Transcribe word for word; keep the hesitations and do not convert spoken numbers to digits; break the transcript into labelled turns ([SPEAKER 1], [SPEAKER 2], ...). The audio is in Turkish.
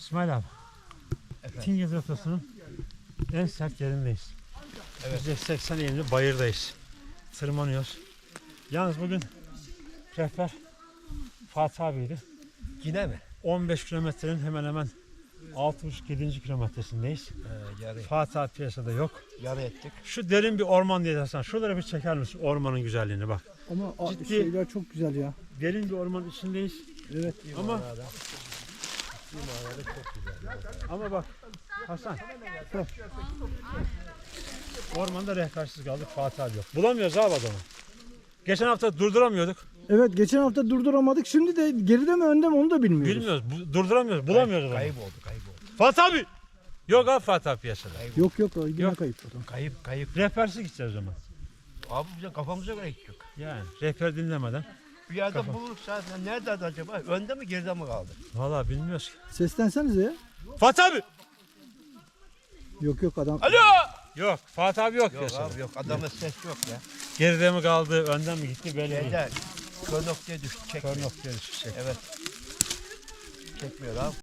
[SPEAKER 1] İsmail abi.
[SPEAKER 2] Efendim?
[SPEAKER 1] Tingöz Rotası'nın en sert yerindeyiz.
[SPEAKER 2] Evet.
[SPEAKER 1] yüzde seksen eğimli bayırdayız. Tırmanıyoruz. Yalnız bugün rehber Fatih abiydi.
[SPEAKER 2] Yine mi?
[SPEAKER 1] on beş kilometrenin hemen hemen altı buçuk yedi. kilometresindeyiz.
[SPEAKER 2] He, yarı,
[SPEAKER 1] Fatih abi piyasada yok.
[SPEAKER 2] yarı ettik.
[SPEAKER 1] Şu derin bir orman diye dersen şuraları bir çeker misin ormanın güzelliğini bak.
[SPEAKER 3] Ama a-
[SPEAKER 1] Ciddi-
[SPEAKER 3] şeyler çok güzel ya.
[SPEAKER 1] Derin bir orman içindeyiz.
[SPEAKER 3] Evet.
[SPEAKER 1] Ama
[SPEAKER 2] Manada. Ciddi manada çok güzel.
[SPEAKER 1] ama bak Hasan. Bak. Ormanda rehbersiz kaldık, Fatih abi yok. Bulamıyoruz abi adamı. Geçen hafta durduramıyorduk.
[SPEAKER 3] Evet, geçen hafta durduramadık. Şimdi de geride mi önde mi onu da bilmiyoruz.
[SPEAKER 1] Bilmiyoruz, bu- durduramıyoruz, bulamıyoruz adamı.
[SPEAKER 2] Kayıp oldu, kayıp oldu.
[SPEAKER 1] Fatih abi! Yok abi Fatih abi piyasada.
[SPEAKER 2] Kayıp,
[SPEAKER 3] Yok yok, o yine
[SPEAKER 1] Yok.
[SPEAKER 3] kayıp o da.
[SPEAKER 2] kayıp, kayıp.
[SPEAKER 1] Rehbersiz gideceğiz o zaman.
[SPEAKER 2] Abi bize kafamıza göre gidecek.
[SPEAKER 1] Yani rehber dinlemeden.
[SPEAKER 2] Bir yerde buluruz zaten. Nerede acaba? Önde mi geride mi kaldı?
[SPEAKER 1] Vallahi bilmiyoruz ki.
[SPEAKER 3] Seslensenize ya.
[SPEAKER 1] Fatih abi!
[SPEAKER 3] Yok yok adam.
[SPEAKER 2] Alo!
[SPEAKER 1] Yok, Fatih abi yok,
[SPEAKER 2] Yok
[SPEAKER 1] piyasada.
[SPEAKER 2] abi yok. Adamın ses yok ya.
[SPEAKER 1] Geride mi kaldı, önden mi gitti belli değil.
[SPEAKER 2] Şeyde kör noktaya düştü. Çekmiyor.
[SPEAKER 1] Kör noktaya düşecek.
[SPEAKER 2] Evet. Çekmiyor abi.